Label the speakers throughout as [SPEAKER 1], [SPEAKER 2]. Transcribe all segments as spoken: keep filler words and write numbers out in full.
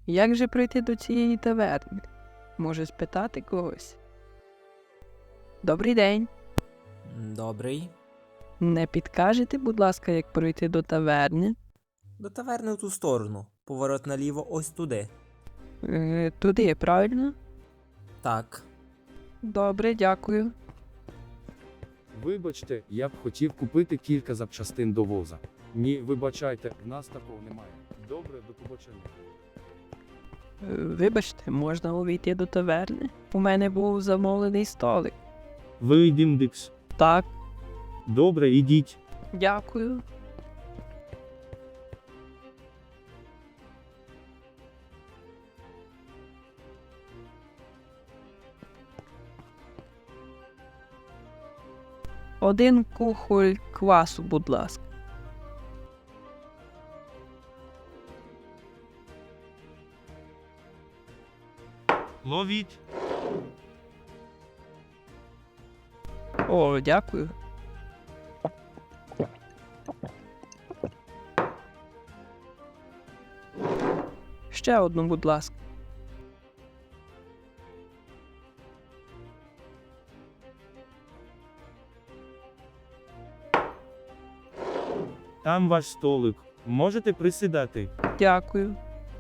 [SPEAKER 1] Як же пройти до цієї таверни? Може спитати когось? Добрий день.
[SPEAKER 2] Добрий.
[SPEAKER 1] Не підкажете, будь ласка, як пройти до таверни?
[SPEAKER 2] До таверни в ту сторону. Поворот наліво ось туди.
[SPEAKER 1] Е, туди, правильно?
[SPEAKER 2] Так.
[SPEAKER 1] Добре, дякую.
[SPEAKER 3] Вибачте, я б хотів купити кілька запчастин до воза. Ні, вибачайте, в нас такого немає. Добре, до побачення.
[SPEAKER 1] Е, Вибачте, можна увійти до таверни? У мене був замовлений столик.
[SPEAKER 3] Вийдім, Дикс.
[SPEAKER 1] Так,
[SPEAKER 3] Добре, ідіть.
[SPEAKER 1] дякую. Один кухоль квасу, будь ласка.
[SPEAKER 3] Ловіть.
[SPEAKER 1] О, дякую. Ще одну, будь ласка.
[SPEAKER 3] Там ваш столик. Можете присідати.
[SPEAKER 1] Дякую.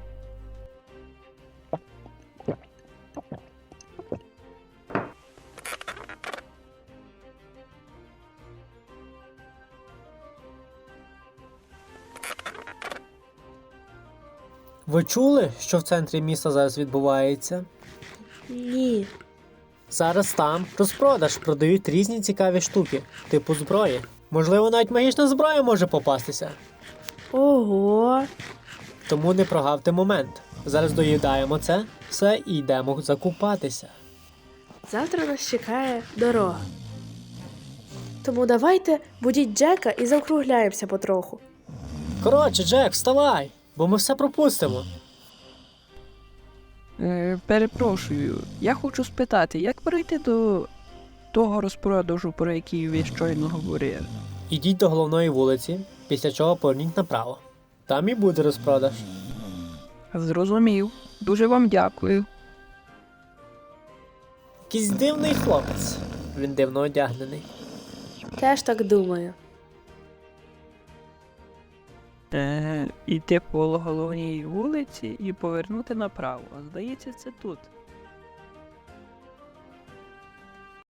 [SPEAKER 4] Ви чули, що в центрі міста зараз відбувається?
[SPEAKER 5] Ні.
[SPEAKER 4] Зараз там розпродаж продають різні цікаві штуки, типу зброї. Можливо, навіть магічна зброя може попастися.
[SPEAKER 5] Ого.
[SPEAKER 4] Тому не прогавте момент. Зараз доїдаємо це все і йдемо закупатися.
[SPEAKER 5] Завтра нас чекає дорога. Тому давайте будіть Джека і заокругляємося потроху.
[SPEAKER 4] Коротше, Джек, вставай, бо ми все пропустимо.
[SPEAKER 1] Е, перепрошую, я хочу спитати, як пройти до того розпродажу, про який ви щойно говорили?
[SPEAKER 4] Ідіть до головної вулиці, після чого поверніть направо. Там і буде розпродаж.
[SPEAKER 1] Зрозумів. Дуже вам дякую.
[SPEAKER 4] Якийсь дивний хлопець. Він дивно одягнений.
[SPEAKER 5] Теж так думаю.
[SPEAKER 1] Е, іти по головній вулиці і повернути направо. Здається, це тут.